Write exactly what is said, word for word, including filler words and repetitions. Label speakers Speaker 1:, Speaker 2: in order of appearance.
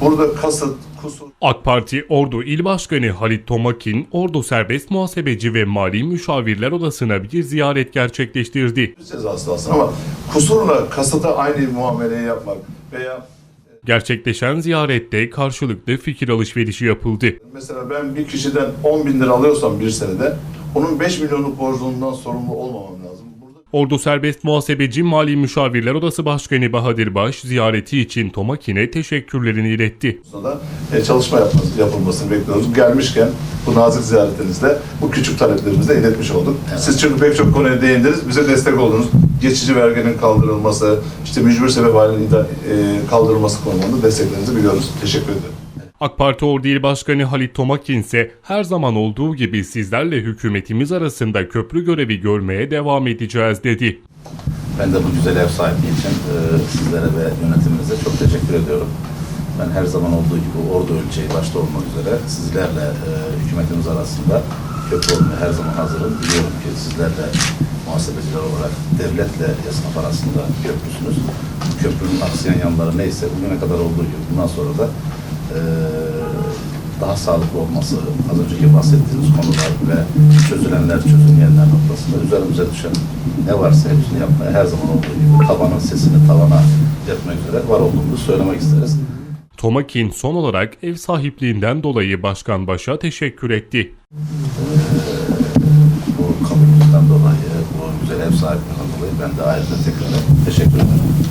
Speaker 1: Burada kasıt, kusur...
Speaker 2: AK Parti Ordu İl Başkanı Halit Tomakin, Ordu Serbest Muhasebeci ve Mali Müşavirler Odası'na bir ziyaret gerçekleştirdi.
Speaker 1: Cezası aslında ama kusurla kasıta aynı muameleyi yapmak veya...
Speaker 2: Gerçekleşen ziyarette karşılıklı fikir alışverişi yapıldı.
Speaker 1: Mesela ben bir kişiden on bin lira alıyorsam bir senede, onun beş milyonluk borcundan sorumlu olmamam lazım. Burada...
Speaker 2: Ordu Serbest Muhasebeci Mali Müşavirler Odası Başkanı Bahadır Baş, ziyareti için Tomakin'e teşekkürlerini iletti.
Speaker 1: Da e, çalışma yapması, yapılmasını bekliyoruz. Gelmişken bu nazik ziyaretinizde bu küçük taleplerimizi de iletmiş olduk. Evet. Siz çünkü pek çok konuya değindiniz, bize destek oldunuz. Geçici verginin kaldırılması, işte mücbir sebep halinin e, kaldırılması konusunda desteklerinizi biliyoruz. Teşekkür ederim.
Speaker 2: AK Parti Ordu İl Başkanı Halit Tomakin ise her zaman olduğu gibi sizlerle hükümetimiz arasında köprü görevi görmeye devam edeceğiz dedi.
Speaker 3: Ben de bu güzel ev sahipliği için e, sizlere ve yönetiminize çok teşekkür ediyorum. Ben her zaman olduğu gibi Ordu ölçeği başta olmak üzere sizlerle e, hükümetimiz arasında köprü olmaya her zaman hazırım. Biliyorum ki sizlerle muhasebeciler olarak devletle esnaf arasında köprüsünüz. Bu köprünün aksayan yanları neyse bugüne kadar olduğu gibi bundan sonra da e, daha sağlıklı olması, az önceki bahsettiğimiz konular ve çözülenler, çözülmeyenler noktasında üzerimize düşen ne varsa hepsini yapmaya her zaman olduğu gibi tabanın sesini tavana yapmak üzere var olduğumuzu söylemek isteriz.
Speaker 2: Tomakin son olarak ev sahipliğinden dolayı Başkan Baş'a teşekkür etti.
Speaker 3: Ee, bu kabulümüzden dolayı, bu güzel ev sahipliğinden dolayı ben de ayrıca tekrar teşekkür ederim.